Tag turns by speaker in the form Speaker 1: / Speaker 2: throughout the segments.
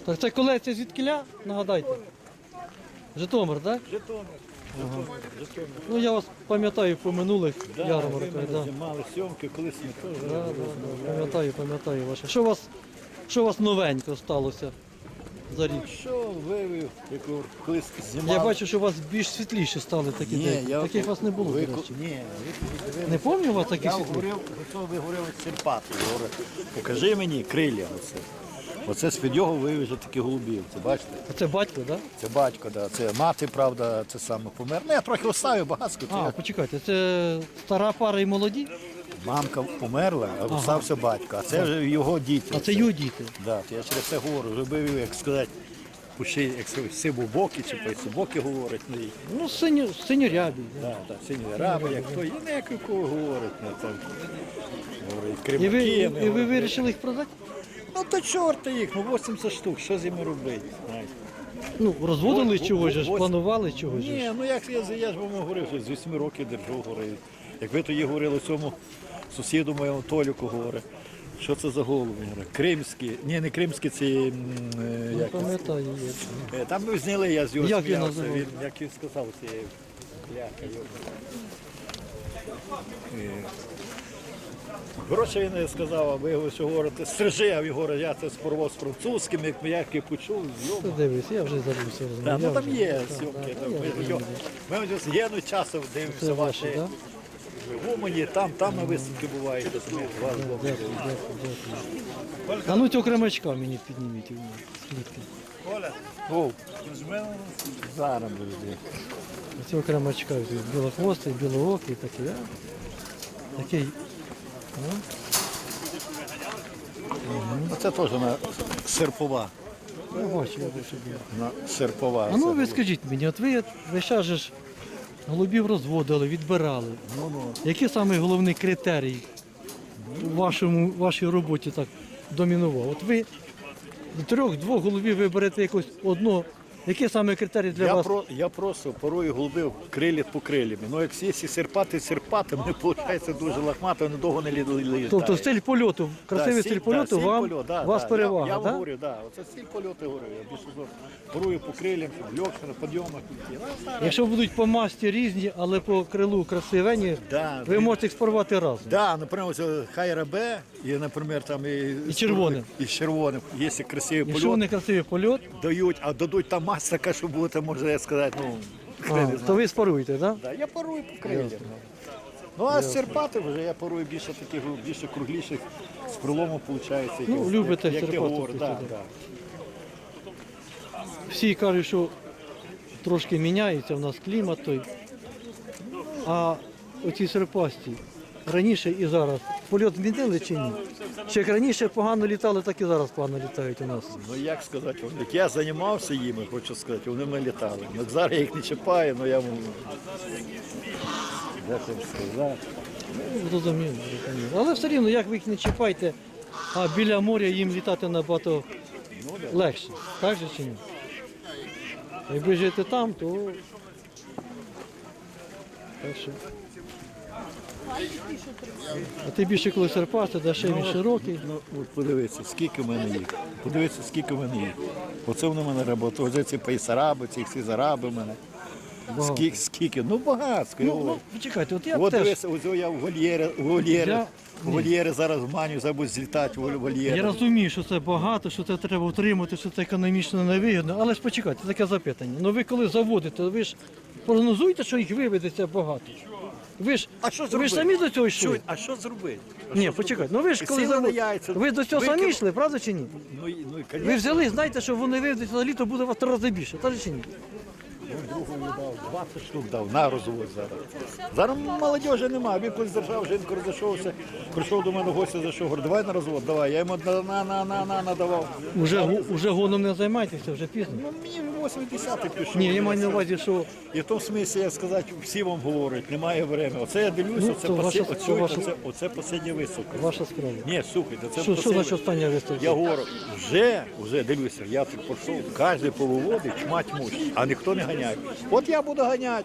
Speaker 1: Так це колекція звідкіля? Нагадайте. Житомир, так?
Speaker 2: Житомир. Житомир.
Speaker 1: Ну я вас пам'ятаю по минулих
Speaker 2: Да,
Speaker 1: ярмарках.
Speaker 2: ви
Speaker 1: Да.
Speaker 2: мене мали сьомки, колись ми теж.
Speaker 1: Пам'ятаю ваше. Що у вас новенько сталося за рік?
Speaker 2: Що вивів, як колись знімали.
Speaker 1: Я бачу, що у вас більш світліші стали такі деякі. Таких у вас не було, до речі.
Speaker 2: Ні,
Speaker 1: Не пам'ятаю у вас такі
Speaker 2: я
Speaker 1: світлі?
Speaker 2: говорив, що ви говорили Серпати. Говорю, покажи мені крилля оце. Оце з-під його вивіже такі голубів. Це бачите?
Speaker 1: А це батько, так? Да?
Speaker 2: Це батько, да. Це мати, правда, це саме помер. Ну, я трохи оставив багатсько.
Speaker 1: А, почекайте, це стара пара і молоді?
Speaker 2: Мамка померла, а остався батько. А це вже його діти.
Speaker 1: А це його діти.
Speaker 2: Да, я через це говорю, вже вивів, як сказати, пуши, як сивобокі чи пайсобокі говорить.
Speaker 1: Ну, синьорябі.
Speaker 2: Да, так, сині раби, як хто, і не як у кого говорить. Там, говорить,
Speaker 1: І
Speaker 2: кримаки.
Speaker 1: ви вирішили їх продати?
Speaker 2: Ну то чорта їх, ну 80 штук, що з ними робити? Знаєте?
Speaker 1: Ну, розводили чогось, же ж,
Speaker 2: ось-
Speaker 1: планували чогось. же
Speaker 2: Ні,
Speaker 1: ж.
Speaker 2: ну як я ж вам говорив, що з 8 років держу, говорив. Як ви тоді говорили цьому сусіду моєму Толіку, говорить, що це за голуби? Говорить, кримські, ні, не кримські, це
Speaker 1: Не
Speaker 2: як це?
Speaker 1: пам'ятаю.
Speaker 2: Там ми зняли, я з його
Speaker 1: Як він
Speaker 2: сміявся,
Speaker 1: називав?
Speaker 2: як він сказав, це бляха його. Коротше, він сказав, а ви його що говорите, стрижи, а він говорить, я це спорвав з французьким, як я почув,
Speaker 1: Ти дивись, я вже забувся.
Speaker 2: да, ну там є
Speaker 1: Так,
Speaker 2: сьомки,
Speaker 1: так, я вже
Speaker 2: ми ось єдно часом дивимося
Speaker 1: Це ваші,
Speaker 2: ваші
Speaker 1: так?
Speaker 2: гумані, там на виставки бувають, вас
Speaker 1: Дякую. А ну цього кремачка мені підніміть. Скільки?
Speaker 2: О, зараз буде.
Speaker 1: Цього кремачка, білохвостий, білоокий такий, а? Такий.
Speaker 2: Це теж на серпова.
Speaker 1: Я бачу, я бачу.
Speaker 2: На серпова.
Speaker 1: А ну ви скажіть мені, от ви зараз же ж голубів розводили, відбирали. Який саме головний критерій у вашій роботі так домінував? От ви з трьох-двох голубів виберете якось одного. Який саме критерій для вас?
Speaker 2: Я просто порою голубив крилі по крилями. Ну, як якщо серпати, мені виходить дуже лахмато, вони довго не літають.
Speaker 1: Тобто стиль польоту, красивий стиль польоту вас перевага,
Speaker 2: я
Speaker 1: так?
Speaker 2: говорю, да. Оце стиль польоту, говорю. Я більше порую по крилям, легше, на підйомах.
Speaker 1: Якщо будуть по масті різні, але по крилу красивені,
Speaker 2: Да,
Speaker 1: ви можете їх спарувати разом.
Speaker 2: Да, наприклад, хайра Б, і, наприклад, там і
Speaker 1: червоним.
Speaker 2: І червоним. Якщо красивий
Speaker 1: Якщо
Speaker 2: польот,
Speaker 1: вони красивий польот,
Speaker 2: дають, а дадуть там маса така, що буде, можна я сказати, ну,
Speaker 1: то ви спаруєте, так?
Speaker 2: да, я парую по крилям. Ну, а з серпати вже я парую більше таких, більше кругліших, з пролому виходить.
Speaker 1: Ну, любите
Speaker 2: як ти
Speaker 1: серпати,
Speaker 2: говориш, да,
Speaker 1: тобто,
Speaker 2: да.
Speaker 1: Всі кажуть, що трошки міняється в нас клімат той. А оці серпасті раніше і зараз польот змінили чи ні? Чи як раніше погано літали, так і зараз погано літають у нас.
Speaker 2: Ну, як сказати, як я займався їми, хочу сказати, вони мене літали. Ну, зараз я їх не чіпаю, але я можу. Як вам сказати?
Speaker 1: Зрозуміло. Але все рівно, як ви їх не чіпаєте, а біля моря їм літати набагато легше. Так же чи ні? Якби жити там, то так що. А ти більше коли серпасти, де ще він широкий.
Speaker 2: Ну, от подивіться, скільки в мене їх. Подивіться, скільки в мене їх. Оце вони в мене роботи. Оце ці пейсараби, ці всі зараби в мене. Скільки? Ну, багатсько.
Speaker 1: Ну, почекайте, от я
Speaker 2: От
Speaker 1: теж.
Speaker 2: дивися, ось я в вольєри зараз маню, забудь злітати в вольєри.
Speaker 1: Я розумію, що це багато, що це треба утримати, що це економічно невигідно, але ж почекайте, таке запитання. Ну ви коли заводите, ви ж прогнозуєте, що їх виведеться багато? Ви ж самі до цього йшли?
Speaker 2: А що зробити?
Speaker 1: Ні, почекайте, ну ви ж коли
Speaker 2: Сіли на
Speaker 1: заводите,
Speaker 2: яйця,
Speaker 1: ви до цього самі
Speaker 2: викинули.
Speaker 1: йшли, правда чи ні?
Speaker 2: Ну, і
Speaker 1: Ви взяли, знаєте, що вони виведуться на літо, буде у вас 3 рази більше, так чи ні?
Speaker 2: другому дав, 20 штук дав, на розвод зараз. Зараз молодежі немає, він колись держав, жінку розійшовся, прийшов до мене гостя, зайшов, говорю, давай на розвод, давай. Я йому надавав.
Speaker 1: Уже гоном не займайтеся, вже пізно.
Speaker 2: Ну, мені 80-й пішов.
Speaker 1: Ні, я маю на увазі, що
Speaker 2: І в тому смислі, як сказати, всі вам говорять, немає времени. Оце я дивлюся,
Speaker 1: Ну, то
Speaker 2: оце последня виставка.
Speaker 1: ваша справа.
Speaker 2: Ні, слухайте, це
Speaker 1: Що
Speaker 2: последня.
Speaker 1: значить остання виставка?
Speaker 2: Я говорю, вже дивлюся, я тут пішов, кожен повиводить, чмать муж, а ніхто не ганяє. От я буду ганяти.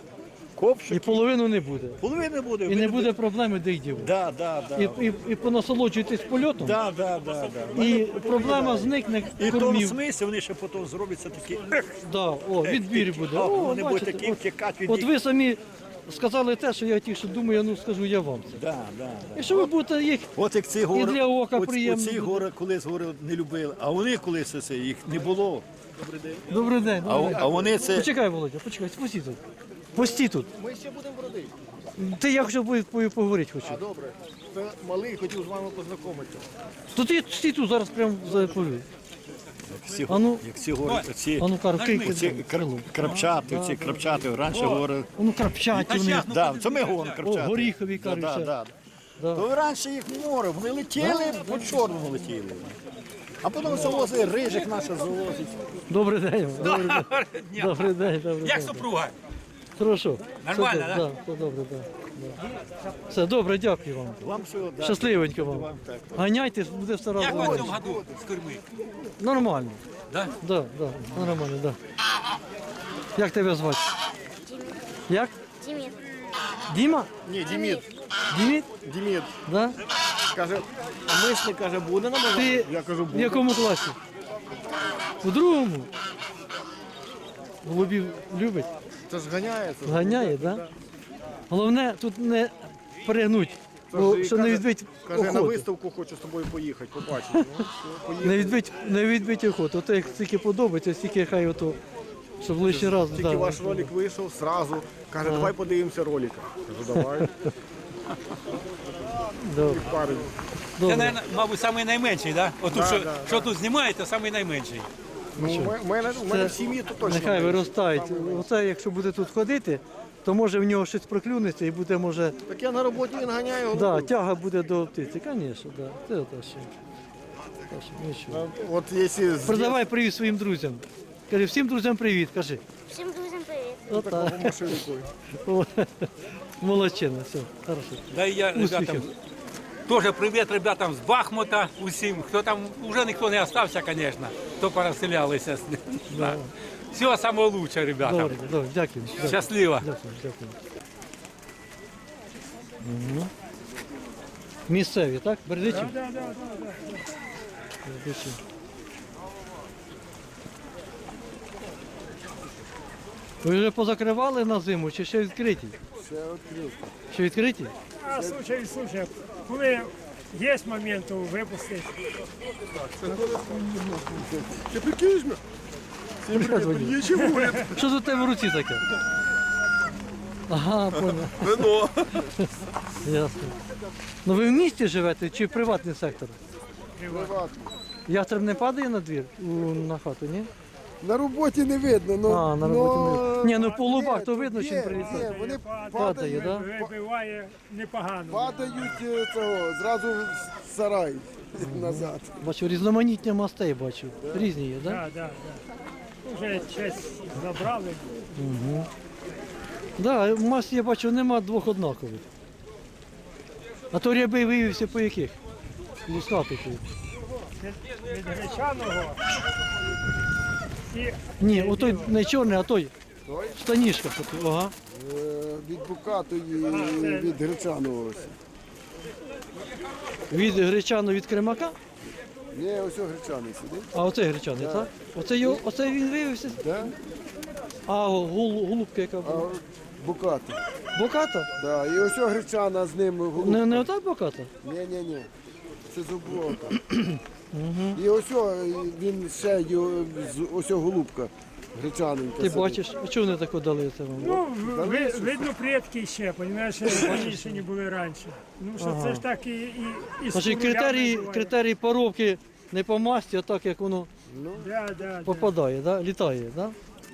Speaker 2: Ковшик.
Speaker 1: І половину не буде.
Speaker 2: Половини буде.
Speaker 1: І не буде проблеми, де їх дівати.
Speaker 2: Да, да, да.
Speaker 1: І понасолоджуйтесь польотом,
Speaker 2: Да, да, да, да.
Speaker 1: і проблема зникне
Speaker 2: І в тому
Speaker 1: кормів.
Speaker 2: смислі вони ще потім зробляться такі.
Speaker 1: Да, відбір буде.
Speaker 2: О,
Speaker 1: О,
Speaker 2: вони будуть
Speaker 1: бачите,
Speaker 2: такі
Speaker 1: от-
Speaker 2: втікати від
Speaker 1: От
Speaker 2: них.
Speaker 1: ви самі сказали те, що я тільки що думаю, ну скажу я вам це.
Speaker 2: Да, да, да.
Speaker 1: І що ви будете їх,
Speaker 2: От як ці гори,
Speaker 1: для ока
Speaker 2: от-
Speaker 1: приємно
Speaker 2: оці
Speaker 1: буде.
Speaker 2: гори колись гори не любили, а вони колись це їх не було.
Speaker 1: добрий день.
Speaker 2: А вони це
Speaker 1: Почекай, Володя, почекай, постій тут. Постій тут.
Speaker 3: Ми ще будемо бродити.
Speaker 1: Ти я хочу поговорити хочу.
Speaker 3: Добре. Це малий хотів з вами познайомитися.
Speaker 1: То ти стій тут зараз прямо заповів.
Speaker 2: всі,
Speaker 1: А ну.
Speaker 2: як ці гори, оці,
Speaker 1: А ну кажу,
Speaker 2: ці
Speaker 1: кийки.
Speaker 2: крапчати, ці крапчати, раніше говорили.
Speaker 1: Ну крапчаті вони.
Speaker 2: Да, це ми говоримо
Speaker 1: О,
Speaker 2: крапчати.
Speaker 1: горіхові
Speaker 2: Да,
Speaker 1: кажуть.
Speaker 2: да,
Speaker 1: ще.
Speaker 2: да.
Speaker 1: Да.
Speaker 2: То раніше їх море, вони летіли, по чорному летіли. А потім завозили, рижик наша завозить.
Speaker 1: Добрий день. Добрий день. Добрий день, добрий
Speaker 4: Як
Speaker 1: день.
Speaker 4: супруга?
Speaker 1: Хорошо.
Speaker 4: Нормально,
Speaker 1: все,
Speaker 4: да?
Speaker 1: Да, все добре, да. Все добре, дякую вам.
Speaker 2: Вам всього, да.
Speaker 1: Щасливенько вам.
Speaker 2: Вам так.
Speaker 1: Ганяйте, буде стара
Speaker 4: Як ви в
Speaker 1: зловити.
Speaker 4: цьому году з курми?
Speaker 1: Нормально.
Speaker 4: Да?
Speaker 1: Да, нормально, да. Як тебе звати? Як?
Speaker 5: Діміт.
Speaker 1: Діма?
Speaker 3: Ні, Діміт.
Speaker 1: Діміт?
Speaker 3: Діміт.
Speaker 1: Да?
Speaker 3: Каже, а мишник каже, буде нам?
Speaker 1: Ти
Speaker 3: Я кажу,
Speaker 1: в
Speaker 3: буде.
Speaker 1: якому класі? У другому? Голубів любить?
Speaker 3: Це ж ганяється.
Speaker 1: Ганяє, так? Да? Головне тут не перегнуть,
Speaker 3: Це
Speaker 1: бо
Speaker 3: ж і
Speaker 1: що не
Speaker 3: каже-
Speaker 1: відбить
Speaker 3: Каже, на
Speaker 1: охоту.
Speaker 3: виставку хочу з тобою поїхати, побачити. Ну, все, поїхали.
Speaker 1: Не відбить охоту. Ото як стільки подобається, стільки хай ото, щоб лишній раз.
Speaker 3: Тільки
Speaker 1: да.
Speaker 3: ваш ролик вийшов, зразу. Каже, давай подивимося ролик. Кажу, давай.
Speaker 1: Добре.
Speaker 3: Парень.
Speaker 4: Це,
Speaker 1: Добре.
Speaker 4: наверно, мабуть, самий найменший, да? Отут,
Speaker 3: Да,
Speaker 4: що,
Speaker 3: да,
Speaker 4: що тут знімаєте, самий найменший.
Speaker 3: Ну, у мене в сім'ї то точно.
Speaker 1: Нехай
Speaker 3: менше.
Speaker 1: виростають. Оце, якщо буде тут ходити, то може в нього щось проклюнеться і буде, може,
Speaker 3: Так я на роботі він ганяє
Speaker 1: да,
Speaker 3: голубів.
Speaker 1: тяга буде до птиці. Звісно, да. Це те що. Те що, нічого.
Speaker 3: От якщо з
Speaker 1: Передавай привіт своїм друзям. Кажи, всім друзям привіт, кажи.
Speaker 5: Всім друзям привіт.
Speaker 1: Отак.
Speaker 3: такого машинку.
Speaker 1: О, молодчина, все, хорошо.
Speaker 4: Да і я
Speaker 1: Успіхів.
Speaker 4: ребятам, теж привіт ребятам з Бахмута усім. Хто там, вже ніхто не залишився, звісно, хто переселялися. Да. Всього самого лучшого, ребята.
Speaker 1: Добре, добре, дякую. Дякую,
Speaker 4: Щасливо.
Speaker 1: дякую. Дякую. Угу. Місцеві, так? Бердичі? Так, так, так. Бердичі. Ви вже позакривали на зиму чи ще відкриті?
Speaker 3: Ще відкрив.
Speaker 1: Ще відкриті?
Speaker 6: А случай, коли є момент, то випустити.
Speaker 3: Ти прикинеш мене? Всім привіт, є чому?
Speaker 1: Що тут у тебе в руці таке? Ага, понял.
Speaker 3: Вино.
Speaker 1: Ясно. Ну ви в місті живете чи приватний сектор? Ястреб не падає на двір на хату, ні?
Speaker 7: На роботі не видно, ну,
Speaker 1: А, на роботі не видно. Ні, ну, по лубах
Speaker 7: є,
Speaker 1: то видно, чим
Speaker 7: є,
Speaker 1: прилітає.
Speaker 7: є, вони
Speaker 1: Падає,
Speaker 7: падають,
Speaker 1: да?
Speaker 6: Вибиває непогано.
Speaker 7: падають цього, зразу в сарай назад.
Speaker 1: Бачу, різноманіття мастей бачу. Різні є, так? Да?
Speaker 6: Так, так, так. Вже честь забрали.
Speaker 1: Да, маст я бачу, нема двох однакових. А то рябий виявився по яких? Лускатих.
Speaker 6: Від гречаного. І
Speaker 1: Ні, отой не чорний, а той. Штанішка. Ага.
Speaker 7: Від Букатої,
Speaker 6: це-
Speaker 7: від Гречаного ось.
Speaker 1: Від гречану від кремака,
Speaker 7: Ні, ось о Гречаний сидить.
Speaker 1: а оцей гречаний, так? Оце він виявився.
Speaker 7: Да?
Speaker 1: А голубка яка
Speaker 7: А
Speaker 1: була?
Speaker 7: Букати.
Speaker 1: Боката?
Speaker 7: Да. І ось о Гречана з ним голубка.
Speaker 1: Не ота боката?
Speaker 7: Ні. Це зубока. І ось о, він ще ось о голубка. Гречаненька.
Speaker 1: Ти
Speaker 7: сидить.
Speaker 1: бачиш, а чого вони тако дали це вам?
Speaker 6: ну, видно, предки ще, розумієш, раніше не були раніше. Ну що це ж так і з
Speaker 1: Значить,
Speaker 6: курями буває.
Speaker 1: критерії поробки не по масті, а так як воно
Speaker 6: Да.
Speaker 1: попадає, да? Літає, да?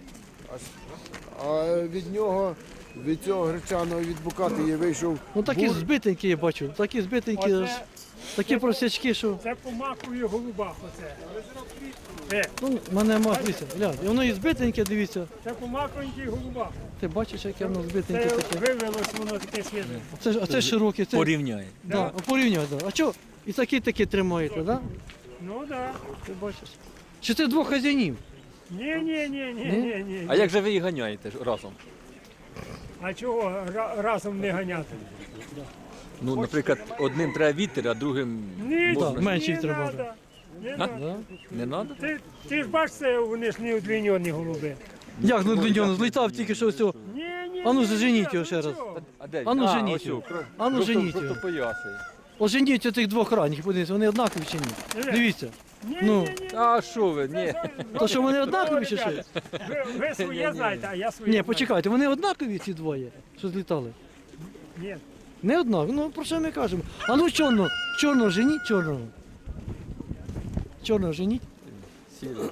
Speaker 7: А від нього, від цього Гречаного, від Букати я вийшов.
Speaker 1: Ну такі
Speaker 7: бур.
Speaker 1: збитенькі я бачу, такі збитенькі,
Speaker 6: Оце-
Speaker 1: аж, такі просячки, що.
Speaker 6: Це по макові голубах оце.
Speaker 1: Ну, мене мав дивіться, глянь, і воно і збитеньке, дивіться.
Speaker 6: Це по маковеньких голубах.
Speaker 1: Ти бачиш, яке воно
Speaker 6: Це
Speaker 1: збитеньке таке.
Speaker 6: вивелось воно таке свіже.
Speaker 1: А це широке, це.
Speaker 4: Порівняє.
Speaker 1: Да, порівняй, да. А що? І такі тримаєте, да?
Speaker 6: Ну да.
Speaker 1: Ти бачиш. Чи це двох хазяїнів?
Speaker 6: Ні.
Speaker 4: А як же ви їх ганяєте ж разом?
Speaker 6: А чого разом не ганяти?
Speaker 5: Ну, наприклад, одним треба вітер, а другим
Speaker 6: Ні,
Speaker 1: Так, менше їх
Speaker 6: не
Speaker 1: треба.
Speaker 6: надо. Не надо.
Speaker 1: Да?
Speaker 5: не треба.
Speaker 6: Ти ж бачиш, це вони ж не удлінені голуби.
Speaker 1: Як ну длиньоно, злітав тільки що ось цього.
Speaker 6: Ні, ні,
Speaker 1: А ну,
Speaker 6: ні,
Speaker 1: заженіть
Speaker 6: ні,
Speaker 1: його ще
Speaker 6: ну
Speaker 1: раз.
Speaker 6: чого?
Speaker 5: А де він?
Speaker 1: А ну,
Speaker 5: ось
Speaker 1: женіть
Speaker 5: його.
Speaker 1: його. А ну, женіть його.
Speaker 5: Просто поясай.
Speaker 1: Оженіть цих двох ранніх, подивіться, вони однакові чи ні? Дивіться.
Speaker 6: Ні,
Speaker 1: Ну.
Speaker 6: ні, ні.
Speaker 5: А що ви? Ні.
Speaker 1: То що вони однакові чи що?
Speaker 6: Ребята, ви своє знаєте, а я своє
Speaker 1: Ні,
Speaker 6: знаю.
Speaker 1: почекайте, вони однакові ці двоє, що злітали?
Speaker 6: Ні.
Speaker 1: Не однакові, ну про що ми кажемо? А ну чорного женіть, чорного. Чорного женіть.
Speaker 5: Сіли.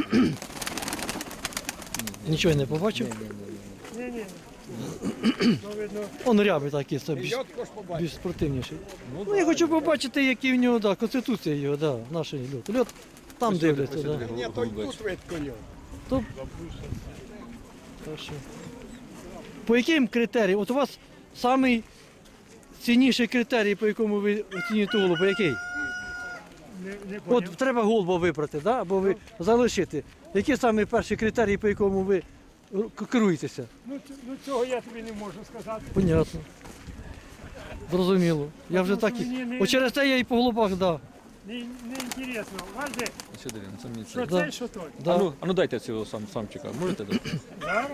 Speaker 1: Нічого я не побачив.
Speaker 6: Ні, ні. Ну, видно,
Speaker 1: Он рябий такий, це більш спортивніший. Ну я хочу побачити, який в нього, да, конституція його, да, наш льот. Льот там дивляться, да.
Speaker 3: Ні, то й тут видко його.
Speaker 1: То... Хорошо. По яким критеріям? От у вас самий цінніший критерій, по якому ви оцінюєте голуба, який?
Speaker 6: не
Speaker 1: От
Speaker 6: поняв.
Speaker 1: треба голуба вибрати, да? Або ви залишити. Який самий перший критерій, по якому ви керуєтеся?
Speaker 6: Ну, цього я тобі не можу сказати.
Speaker 1: Понятно. Зрозуміло. Я вже так і...
Speaker 6: Мені не-
Speaker 1: От через те я і по голубах, да.
Speaker 6: Не інтересно. Вальде,
Speaker 5: Сюди він, це мені
Speaker 6: що
Speaker 5: це.
Speaker 1: Да.
Speaker 6: це, що той?
Speaker 1: Да.
Speaker 5: А ну дайте цього самчика. Можете дати?
Speaker 6: Зараз.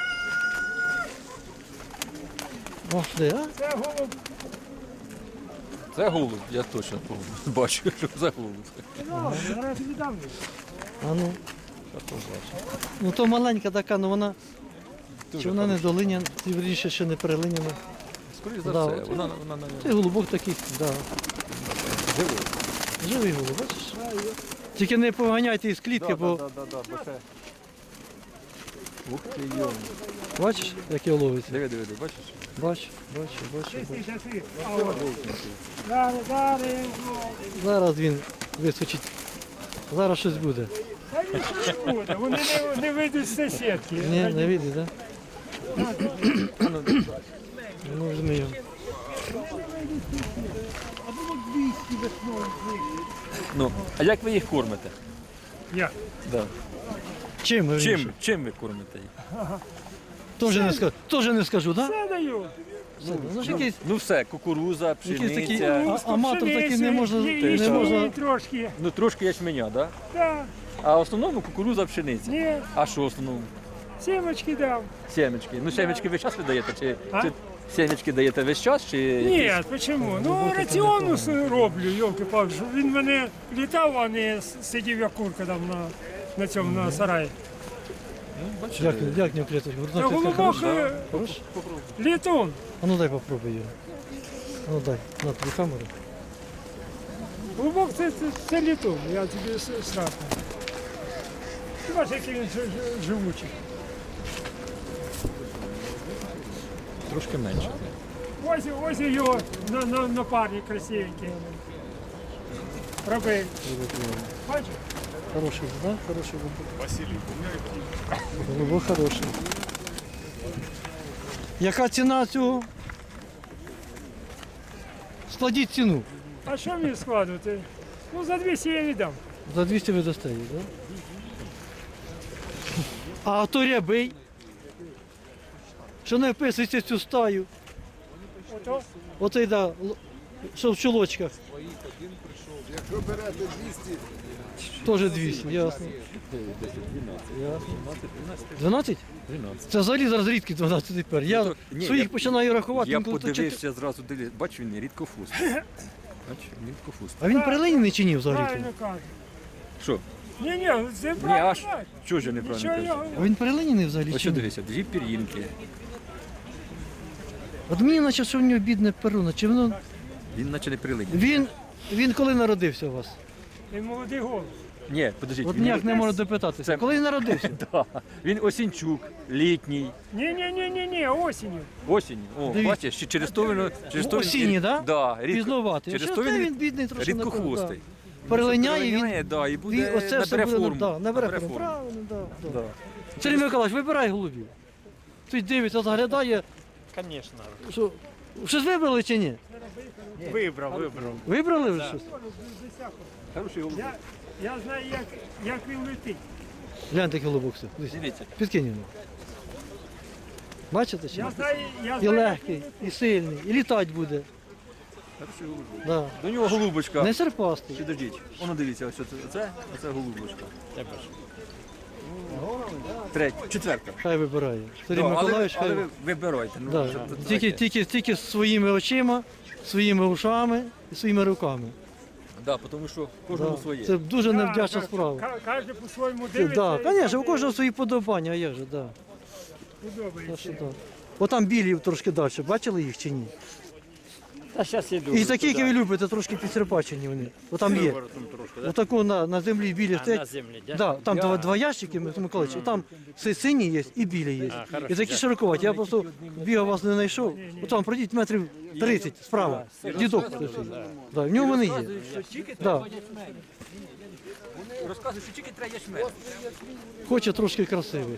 Speaker 1: Ох, де, а?
Speaker 6: Це голуб.
Speaker 5: Це голуб, я точно бачу, що це голуб.
Speaker 6: Ну, зараз віддам.
Speaker 1: А ну. Ну то маленька така, ну вона... Чи вона не долиняна, вірніше, ще не перелиняна.
Speaker 5: Скоріше за
Speaker 1: Да,
Speaker 5: все,
Speaker 1: оце-
Speaker 5: вона
Speaker 1: Це голубок такий, да.
Speaker 5: живий.
Speaker 1: Живий голуб, бачиш? Тільки не поганяйте із клітки, бо
Speaker 5: Ух ти, йо.
Speaker 1: бачиш, як його ловиться.
Speaker 5: Диви, бачиш?
Speaker 1: Бачу.
Speaker 6: Чистий часи. А от. Зараз.
Speaker 1: Зараз він вискочить. Зараз щось буде.
Speaker 6: Та нічого не буде. Вони не вийдуть з сусідки.
Speaker 1: Ні, не вийде, так? Ну, візьми його.
Speaker 5: Ну, а як ви їх кормите?
Speaker 6: Як?
Speaker 5: Да.
Speaker 1: Чим? вірніше?
Speaker 5: Чим ви кормите їх?
Speaker 1: Теж не скажу, так?
Speaker 6: Це даю.
Speaker 1: Ну, ж якийсь,
Speaker 5: Ну все, кукуруза,
Speaker 1: якийсь такий
Speaker 5: пшениця.
Speaker 1: аматор такий не може.
Speaker 6: Не
Speaker 1: можна.
Speaker 6: трошки.
Speaker 5: Ну трошки ячменя, да?
Speaker 6: Так.
Speaker 5: А в основному кукуруза, пшениця.
Speaker 6: Ні.
Speaker 5: А що в основному?
Speaker 6: Сімочки дав.
Speaker 5: Сімечки. Ну сімечки весь час ви даєте?
Speaker 6: А?
Speaker 5: Чи сімечки даєте весь час? Чи
Speaker 6: Ні,
Speaker 5: якісь?
Speaker 6: чому? Ну раціону роблю, йолки-палки. Він мене літав, а не сидів як курка там на цьому на сараї.
Speaker 1: Як не клеточку?
Speaker 6: Це голубок літун.
Speaker 1: А ну дай попробуй його. А ну дай, на тобі камеру.
Speaker 6: Голубок це літун, я тобі страшно. Ти бачиш, який він живучий.
Speaker 5: Трошки менше.
Speaker 6: Ось його на парні красивенький. Роби. Бачиш?
Speaker 1: Хороший, да? Хороший голубок. Василий. Голубок хороший. Яка ціна цього? Складіть ціну.
Speaker 6: А що мені складувати? Ну, за 200 я віддам.
Speaker 1: За 200 ви дасте її, так? А то рябий, що не вписується в цю стаю.
Speaker 6: Ото.
Speaker 1: Оцей, да, що в чулочках.
Speaker 7: Якщо берете 200,
Speaker 1: Теж 200, ясно. Ясно. 12?
Speaker 5: 12.
Speaker 1: Це взагалі зараз рідкі 12 тепер. Я
Speaker 5: Ну, то- ні,
Speaker 1: своїх
Speaker 5: я-
Speaker 1: починаю рахувати.
Speaker 5: Я
Speaker 1: інколи то
Speaker 5: подивився зразу, бачу, він рідкофустий. Бачу, рідкофустий.
Speaker 1: А він перелинений чи ні взагалі?
Speaker 6: Правильно кажу.
Speaker 5: Що?
Speaker 6: Ні, це
Speaker 5: Ні,
Speaker 6: правильно.
Speaker 5: аж чого ж я неправильно
Speaker 6: Нічого
Speaker 5: кажу?
Speaker 6: його.
Speaker 1: А він перелинений взагалі
Speaker 5: Ось
Speaker 1: чи
Speaker 5: що
Speaker 1: ні?
Speaker 5: дивися, дві пір'їнки.
Speaker 1: От мені наче, що в нього бідне перуно. Чи воно...
Speaker 5: Він наче не прилиняє.
Speaker 1: Він коли народився у вас?
Speaker 6: Він молодий голос.
Speaker 5: Ні, подождіть.
Speaker 1: От
Speaker 5: він
Speaker 1: ніяк не можу допитатися.
Speaker 5: Це-
Speaker 1: Коли він народився?
Speaker 5: Да. Він осінчук, літній,
Speaker 6: Ні, осінню.
Speaker 5: осінь. О,
Speaker 1: Дивіться.
Speaker 5: бачиш, ще через то він... Через то він-
Speaker 1: Осінній, да?
Speaker 5: Да,
Speaker 1: Пізнувати.
Speaker 5: Через
Speaker 1: Через
Speaker 5: то
Speaker 1: то
Speaker 5: він
Speaker 1: він бідний трошки.
Speaker 5: рідкохвостий.
Speaker 1: Перелиняє, він,
Speaker 5: да, і буде,
Speaker 1: оце все
Speaker 5: набере
Speaker 1: буде,
Speaker 5: форму.
Speaker 1: да, набере форму. Правильно, да, да. Сергій Миколаївич, вибирай голубів. Ти дивиться, заглядає. Звісно. Щось вибрали чи ні?
Speaker 6: Вибрав.
Speaker 1: Вибрали вже щось?
Speaker 5: Хороший голубок.
Speaker 6: Я знаю, як він летить.
Speaker 1: Гляньте голубок все. Дивись.
Speaker 5: Дивіться.
Speaker 1: Підкинь його. Бачите чи?
Speaker 6: Я
Speaker 1: ні?
Speaker 6: знаю, я
Speaker 1: І
Speaker 6: знаю.
Speaker 1: легкий, і сильний, і літати буде. Да.
Speaker 5: До нього голубочка.
Speaker 1: Не серпастий.
Speaker 5: Підождіть, воно дивіться, ось оце голубочка. Третя, четверта.
Speaker 1: Хай вибирає. Сергій
Speaker 5: Да, але
Speaker 1: Миколаївич,
Speaker 5: але
Speaker 1: хай.
Speaker 5: ви вибирайте. Ну,
Speaker 1: Да. Тільки своїми очима, своїми ушами і своїми руками.
Speaker 5: Да, тому що кожному
Speaker 1: Да.
Speaker 5: своє.
Speaker 1: Це дуже невдячна
Speaker 6: Да,
Speaker 1: справа.
Speaker 6: Кожен по-своєму
Speaker 1: Так,
Speaker 6: дивиться.
Speaker 1: да, звісно, у кожного свої подобання, а як же, да.
Speaker 6: Подобається.
Speaker 1: Так що так. Отам білі трошки далі, бачили їх чи ні?
Speaker 8: Та зараз іду.
Speaker 1: І такі, які ви любите, трошки підсерпачені вони. Отам є. Отаку на землі білі
Speaker 8: На
Speaker 1: стоять.
Speaker 8: землі, да?
Speaker 1: Да, там два ящики, Миколаївич, і там сині є і білі є. І такі широковаті. Я просто бігав, вас не знайшов. Отам пройдіть метрів 30 справа. Дідок. стоїть. Да, в нього вони є. Да.
Speaker 5: Розказуй, що тільки треба ячмень.
Speaker 1: Хоче трошки красивий.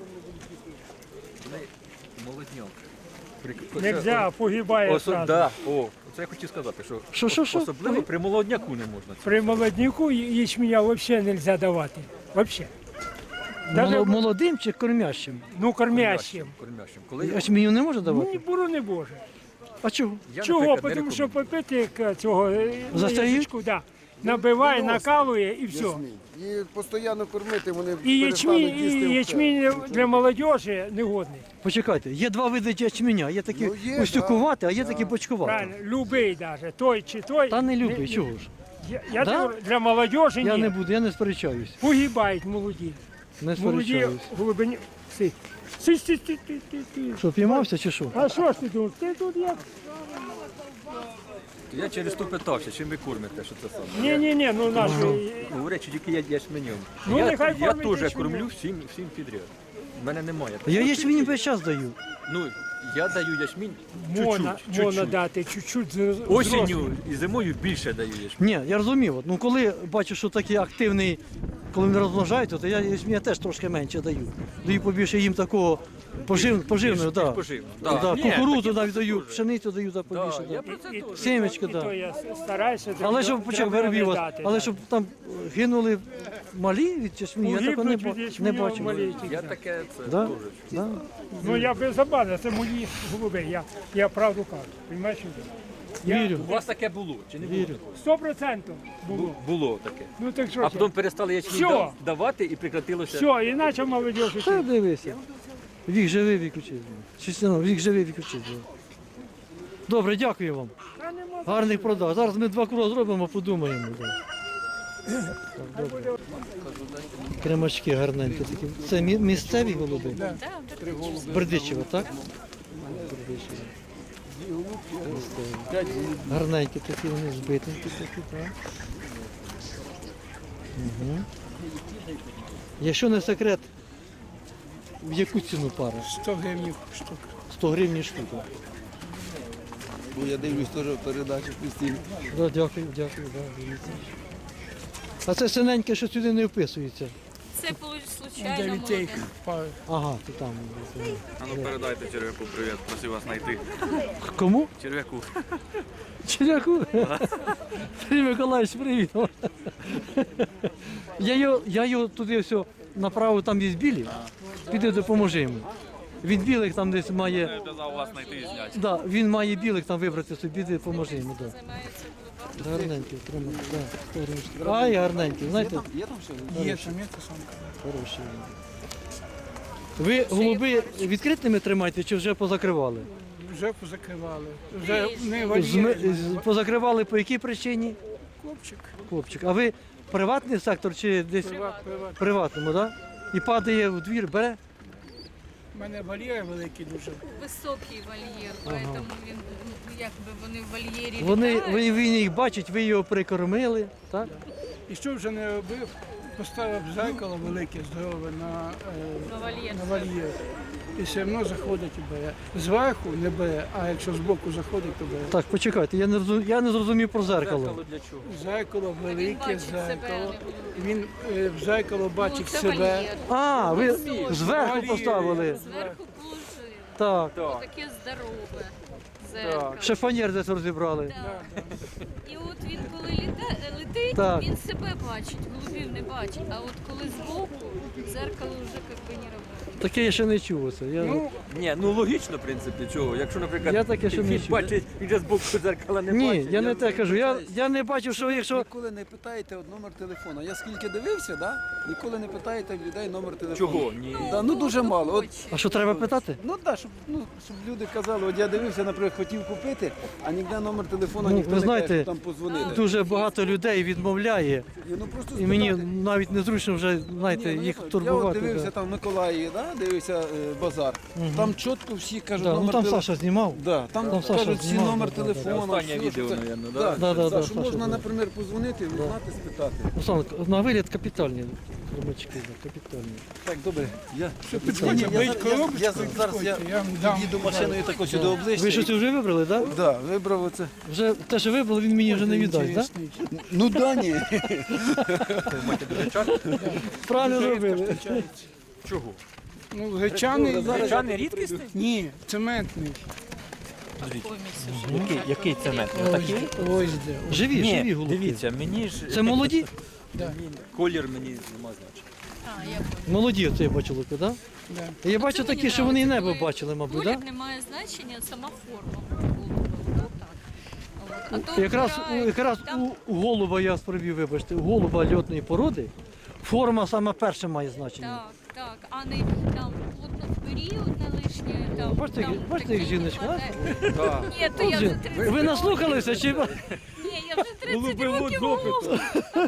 Speaker 5: Молодняк.
Speaker 6: Нельзя, погибає зразу.
Speaker 5: Да. О, це я хотів сказати, що
Speaker 1: Що?
Speaker 5: особливо при молодняку не можна.
Speaker 6: При молодняку ячменя взагалі не можна давати. Взагалі. Даже,
Speaker 1: Молодим чи кормящим?
Speaker 6: ну, кормящим.
Speaker 5: Кормящим. Коли
Speaker 1: А мені не може
Speaker 6: Ну,
Speaker 1: давати?
Speaker 6: борони Боже.
Speaker 1: А чого?
Speaker 5: я,
Speaker 6: Чого?
Speaker 5: наприклад, не
Speaker 6: Тому що
Speaker 5: рекомендую.
Speaker 6: попити цього
Speaker 1: Застають?
Speaker 6: язичку, да, набиває, накалує і все.
Speaker 7: І постійно кормити вони
Speaker 6: І
Speaker 7: перестануть
Speaker 6: ячмінь,
Speaker 7: їсти
Speaker 6: і
Speaker 7: все.
Speaker 6: ячмінь для молодежі негодний.
Speaker 1: Почекайте, є два види ячменя. Є такі
Speaker 7: Ну, є,
Speaker 1: устюкувати, а є такі бочкувати.
Speaker 6: Правильно, любий навіть, той чи той.
Speaker 1: Та не любий, чого ж?
Speaker 6: Я
Speaker 1: Да?
Speaker 6: говорю, для молодежі
Speaker 1: Я
Speaker 6: ні.
Speaker 1: не буду, я не сперечаюсь.
Speaker 6: Погибають молоді.
Speaker 1: Не
Speaker 6: Молоді
Speaker 1: сперечаюсь.
Speaker 6: голубині. Си. Си.
Speaker 1: Що, піймався чи що?
Speaker 6: А що ж ти думаєш? Ти тут як?
Speaker 5: Я через то питався, чим ви кормите, що це саме.
Speaker 6: Ні, ну наш.
Speaker 5: Говорять, що тільки я ячменем.
Speaker 6: Ну, нехай
Speaker 5: я
Speaker 6: кормить
Speaker 5: теж
Speaker 6: ячменем.
Speaker 5: кормлю всім підряд. У мене немає.
Speaker 1: Я ячмені весь час даю.
Speaker 5: Ну, я даю ячмінь
Speaker 6: Можна
Speaker 5: чуть-чуть.
Speaker 6: дати чуть-чуть
Speaker 5: Осінню і зимою більше даю ячмінь.
Speaker 1: Ні, я розумів. Ну коли бачу, що такий активний, коли вони розмножаються, то я ячменя теж трошки менше даю. Даю побільше їм такого поживного, да.
Speaker 5: Поживно.
Speaker 1: Да,
Speaker 5: Ні,
Speaker 1: кукурудзу
Speaker 5: такі
Speaker 1: навіть даю,
Speaker 5: дуже.
Speaker 1: пшеницю даю да, побільше.
Speaker 5: Я
Speaker 1: Да.
Speaker 5: про це теж.
Speaker 1: Сімечки,
Speaker 6: І то
Speaker 1: да.
Speaker 6: я стараюся.
Speaker 1: Але щоб почав виробів вас,
Speaker 6: дати,
Speaker 1: але
Speaker 6: да.
Speaker 1: щоб там гинули малі від ячменю, я такого
Speaker 6: Погибнуть від
Speaker 1: не
Speaker 6: ячменю
Speaker 1: бачив.
Speaker 6: маленьких,
Speaker 5: Я
Speaker 6: да.
Speaker 5: таке це
Speaker 1: Да?
Speaker 5: теж.
Speaker 1: Да?
Speaker 6: Ну я без забави, це мої голуби, я правду кажу. Розумієш?
Speaker 1: Вірю,
Speaker 5: У вас таке було чи не було?
Speaker 1: вірю.
Speaker 6: 100% було.
Speaker 5: Було таке.
Speaker 6: Ну так що
Speaker 5: А
Speaker 6: ж
Speaker 5: потім перестали ячмінь
Speaker 6: Всьо.
Speaker 5: давати і прекратилося.
Speaker 6: все, іначе молодежі.
Speaker 1: Та дивися. Вік живий, вік учить. Чистяно, вік живий, вік учить. Добре, дякую вам. Гарних продаж. Зараз ми 2 кроки зробимо, подумаємо. Да. Так, добре. Кремачки гарненькі такі. Це місцеві голуби? З Бердичева, так? Бердичева. Місцеві. Гарненькі такі, вони збитенькі такі, так. Угу. Якщо не секрет, в яку ціну пара?
Speaker 6: 100 гривень штука.
Speaker 1: 100 гривень штука.
Speaker 7: Бо я дивлюсь теж в передачі постійно.
Speaker 1: Да, дякую, да, дивіться. А це синеньке, що сюди не вписується.
Speaker 9: Це случайно молоде.
Speaker 1: Ага, то там.
Speaker 10: А ну передайте черв'яку привіт, просив вас знайти.
Speaker 1: Кому?
Speaker 10: Черв'яку.
Speaker 1: Черяку? Сергій Миколаївич, привіт. Я його туди все направив, там є білі. Піди допоможи йому. Він білих там десь має.
Speaker 10: Казав вас знайти і зняти.
Speaker 1: Да, він має білих там вибрати собі, піди допоможи йому. Да.
Speaker 9: Займається голубами.
Speaker 1: Гарненький, тримай. Да, ай, гарненький, знаєте?
Speaker 6: Є, там є та самка.
Speaker 1: Хороший. Ви голуби відкритими тримаєте чи вже позакривали?
Speaker 6: Вже позакривали. Вже не
Speaker 1: Позакривали по якій причині?
Speaker 6: Хлопчик.
Speaker 1: Хлопчик. А ви приватний сектор чи десь
Speaker 6: Приват.
Speaker 1: приватному, так? Да? І падає в двір, бере?
Speaker 6: У мене вольєр великий дуже.
Speaker 9: Високий вольєр, поэтому він, ну, якби вони в вольєрі
Speaker 1: Вони,
Speaker 9: літають.
Speaker 1: він їх бачить, ви його прикормили, так?
Speaker 6: І що вже не робив, поставив зеркало велике, здорове на
Speaker 9: вольєр.
Speaker 6: вольєр. І все одно заходить і бере. Зверху не бере, а якщо збоку заходить, то бере.
Speaker 1: Так, почекайте, я не зрозумів про зеркало.
Speaker 5: Для чого?
Speaker 6: Зеркало велике,
Speaker 9: бачить себе,
Speaker 6: зеркало.
Speaker 9: а не
Speaker 6: Він в зеркало бачить
Speaker 9: це
Speaker 6: себе.
Speaker 9: вольєр.
Speaker 1: А, ви зверху
Speaker 6: Вольєр.
Speaker 1: поставили.
Speaker 9: Зверху положили.
Speaker 1: Так.
Speaker 9: Таке здорове дзеркало.
Speaker 1: Шифонєр десь розібрали.
Speaker 9: Да. І от він коли летить,
Speaker 1: Так.
Speaker 9: він себе бачить, голубів не бачить. А от коли збоку, дзеркало вже як би не робить.
Speaker 1: Таке я ще не чув. Оце.
Speaker 5: Ні, ну логічно, в принципі, чого. Якщо, наприклад,
Speaker 1: Я таке, що не
Speaker 5: він
Speaker 1: чув.
Speaker 5: бачить, він же з боку дзеркала не
Speaker 1: Ні,
Speaker 5: бачить.
Speaker 1: я не те кажу. Я не бачив, що якщо.
Speaker 11: Ніколи не питаєте от номер телефону. Я скільки дивився, да? Ніколи не питаєте в людей номер телефону.
Speaker 5: Чого? Ні.
Speaker 11: Да, ну дуже мало. От,
Speaker 1: А що треба питати?
Speaker 11: ну так, щоб люди казали, от я дивився, наприклад, хотів купити, а ніде номер телефону
Speaker 1: Ну,
Speaker 11: ніхто
Speaker 1: ви
Speaker 11: не
Speaker 1: знаєте,
Speaker 11: каже, що там позвонити.
Speaker 1: Дуже багато людей відмовляє.
Speaker 11: Ну, просто
Speaker 1: І мені
Speaker 11: спитати.
Speaker 1: навіть незручно вже, знаєте,
Speaker 11: Ні, ну,
Speaker 1: їх
Speaker 11: я от
Speaker 1: турбувати.
Speaker 11: дивився
Speaker 1: Да.
Speaker 11: там в Миколаїві, да? Дивився базар. Там чітко всі кажуть
Speaker 1: Да, ну
Speaker 11: номер
Speaker 1: там
Speaker 11: телефону.
Speaker 1: Саша знімав.
Speaker 11: Да, там
Speaker 1: Там Саша
Speaker 11: кажуть всі
Speaker 1: знімав,
Speaker 11: номер
Speaker 1: да, да, да.
Speaker 11: телефону.
Speaker 5: Останнє
Speaker 11: все,
Speaker 5: відео,
Speaker 11: що це-
Speaker 5: наверно,
Speaker 11: да?
Speaker 5: да?
Speaker 1: Да,
Speaker 11: Що
Speaker 1: Саша
Speaker 11: можна,
Speaker 1: був.
Speaker 11: наприклад, позвонити, знати, спитати.
Speaker 1: Руслан, на вигляд капітальні хромачки, да, капітальні.
Speaker 11: Так, добре. Я зараз їду машиною тако сюди обличчя.
Speaker 1: Ви щось вже вибрали, так? Да?
Speaker 11: Да, вибрав оце.
Speaker 1: Вже те, що вибрали, він мені вже не віддасть, так? Да?
Speaker 11: Ну да, ні.
Speaker 1: Правильно зробили.
Speaker 5: Чого?
Speaker 6: Ну, гречаний,
Speaker 5: Гречаний рідкісний?
Speaker 6: ні, цементний.
Speaker 5: Який цемент? Отакий?
Speaker 6: Ось де.
Speaker 1: Живі, живі
Speaker 5: Ні,
Speaker 1: голубки.
Speaker 5: дивіться, мені ж...
Speaker 1: Це молоді?
Speaker 5: Колір мені нема значення.
Speaker 9: А, я поняла.
Speaker 1: Молоді оце я бачу луки, так?
Speaker 6: Да.
Speaker 1: Я бачу
Speaker 9: Це мені
Speaker 1: такі, що вони і
Speaker 9: нравиться,
Speaker 1: небо
Speaker 9: коли
Speaker 1: бачили, мабуть,
Speaker 9: колір
Speaker 1: так?
Speaker 9: не має значення, сама форма голуба. От так. А то
Speaker 1: Якраз
Speaker 9: там
Speaker 1: у голуба, я спробів, вибачте, у голуба льотної породи форма саме перша має значення.
Speaker 9: так, а не там плотно в період не лишнє. Там,
Speaker 1: Бачите,
Speaker 9: там
Speaker 1: бачите,
Speaker 9: таке
Speaker 1: як жіночка,
Speaker 9: не
Speaker 1: а?
Speaker 9: падає. Ні, то я вже 30
Speaker 1: Ви наслухалися чи?
Speaker 9: Ні, я вже 30 років голуб.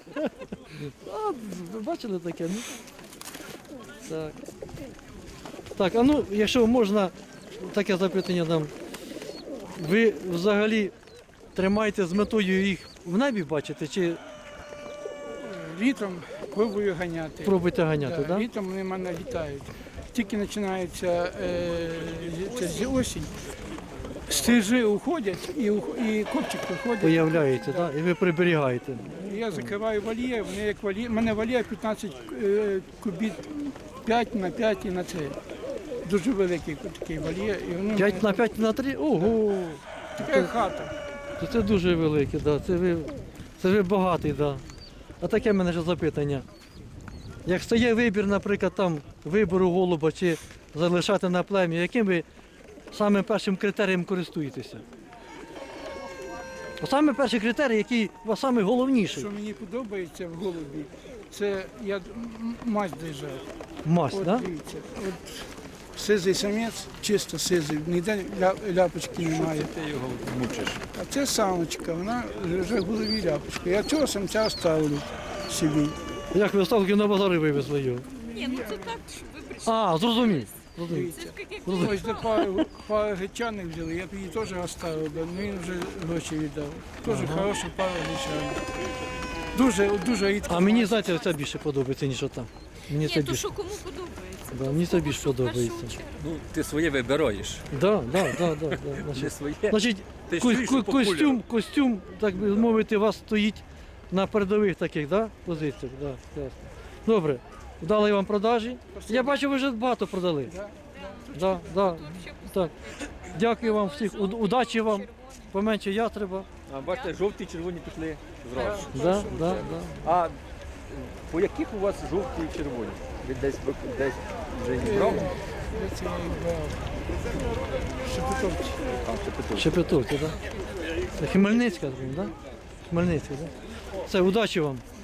Speaker 1: Ви бачили таке? Ну? Так. Так, а ну, якщо можна, таке запитання дам. Ви взагалі тримаєте з метою їх в небі бачите, чи
Speaker 6: Літом пробую ганяти.
Speaker 1: пробуєте ганяти, так? Да?
Speaker 6: Літом вони в мене літають. Тільки починається осінь, стрижи уходять і копчик виходить.
Speaker 1: Появляється, так? І ви приберігаєте.
Speaker 6: Я закриваю вольєр, вони як вольєр. У мене вольєр 15 кубів, 5 на 5 і на 3. Дуже великий такий вольєр. І вони
Speaker 1: 5 на 5 на 3? Ого!
Speaker 6: така хата.
Speaker 1: То це дуже велике, да. Це ви багатий, да. А таке в мене ще запитання. Як стає вибір, наприклад, там вибору голуба чи залишати на плем'я, яким ви самим першим критерієм користуєтеся? Саме перший критерій, який у вас самий головніший.
Speaker 6: Що мені подобається в голубі, це я мать держав.
Speaker 1: Масть,
Speaker 6: От
Speaker 1: так? Да?
Speaker 6: дивіться, от сизий самець, чисто сизий, ніде ляпочки немає.
Speaker 5: Ти його мучиш.
Speaker 6: А це самочка, вона вже в голові ляпочка. Я цього самця ставлю собі.
Speaker 1: Як ви ставки на базари вивезли його?
Speaker 9: Ні, ну це так, щоб ви прийшли.
Speaker 1: А, зрозумів. Зрозумів.
Speaker 9: Це ж як
Speaker 6: Ось де пару гречаних взяли, я б її теж оставив, але він вже гроші віддав. Теж хороша пара гречаних. Дуже рідко.
Speaker 1: А мені, знаєте, це більше подобається, ніж ота. Мені це
Speaker 9: Ні, то
Speaker 1: більше.
Speaker 9: що кому подобається?
Speaker 1: Да, мені це більше
Speaker 9: Що в першу
Speaker 1: подобається.
Speaker 9: чергу.
Speaker 5: Ну, ти своє вибираєш.
Speaker 1: Да.
Speaker 5: Не
Speaker 1: Значить,
Speaker 5: своє.
Speaker 1: значить
Speaker 5: Ти ж чуєш, що по
Speaker 1: костюм, так би мовити, у вас стоїть на передових таких, да, позиціях. Да, ясно. Добре, вдалої вам продажі. Я бачу, ви вже багато продали. Да. Так. Дякую вам всіх, удачі вам, поменше ястреба.
Speaker 5: А бачите, жовті, червоні пішли зразу.
Speaker 1: Да.
Speaker 5: А по яких у вас жовті і червоні? Ви десь вже їх брав?
Speaker 6: Це я їх брав. Шепетовці.
Speaker 5: Там Шепетовці.
Speaker 1: Шепетовки, так? Да? Це Хмельницька, так? Да? Хмельницька, так? Да? Все, удачі вам.